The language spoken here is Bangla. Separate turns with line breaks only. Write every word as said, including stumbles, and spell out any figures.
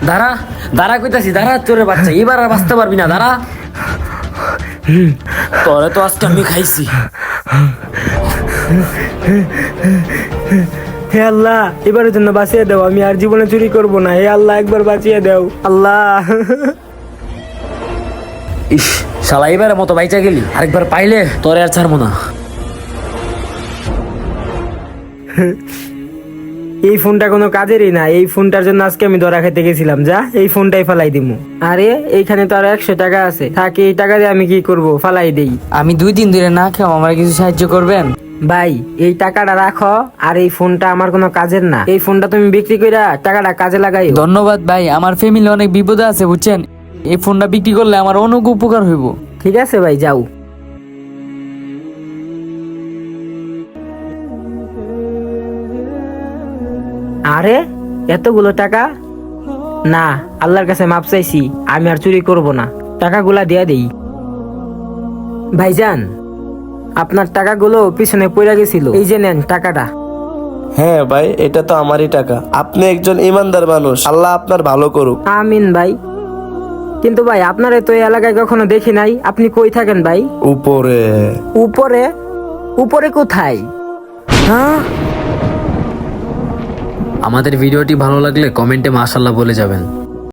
দাঁড়া দাঁড়া কইতাছি, দাঁড়া চোরের বাচ্চা, এবার আর বাঁচতে পারবি না, দাঁড়া। তোরে তো আজকে আমি খাইছি।
হে আল্লাহ, এবারের জন্য বাঁচিয়ে দাও, আমি আর জীবনে চুরি করব না। হে আল্লাহ, একবার বাঁচিয়ে দাও আল্লাহ।
ইস শালা, এবারের মতো বাইচা গেলি, আরেকবার পাইলে তোরে আর ছাড়বো না।
এই ফোনটা কোনো কাজেরই না, এই ফোনটার জন্য আজকে আমি ধরা খেতে গেছিলাম। যা, এই ফোনটাই ফালাই দিমু। আরে এইখানে তো আরো একশো টাকা আছে, থাকি এই টাকা দিয়ে আমি কি করব, ফালাই দেই।
আমি দুই দিন ধরে না খেয়ে আমার কিছু সাহায্য করবেন?
ভাই এই টাকাটা রাখো, আর এই ফোনটা আমার কোনো কাজের না। এই ফোনটা তুমি বিক্রি কইরা টাকাটা কাজে লাগাই।
ধন্যবাদ ভাই, আমার ফ্যামিলি অনেক বিপদে আছে বুঝছেন, এই ফোনটা বিক্রি করলে আমার অনেক উপকার হইব।
ঠিক আছে ভাই, যাও। আরে এতগুলো টাকা, না আল্লাহর কাছে মাপ চাইছি, আমি আর চুরি করব না, টাকাগুলা দিয়া দেই। ভাইজান, আপনার টাকাগুলো পিছনে পড়ে গেছিল, এই যে নেন টাকাটা।
হ্যাঁ ভাই, এটা তো আমারই টাকা। আপনি একজন ইমানদার মানুষ, আল্লাহ আপনার ভালো করুক।
আমিন ভাই। কিন্তু ভাই আপনারে তো এই এলাকায় কখনো দেখি নাই, আপনি কই থাকেন ভাই?
উপরে।
উপরে? উপরে কোথায়? হ্যাঁ,
আমাদের ভিডিওটি ভালো লাগলে কমেন্টে মাশাআল্লাহ বলে যাবেন।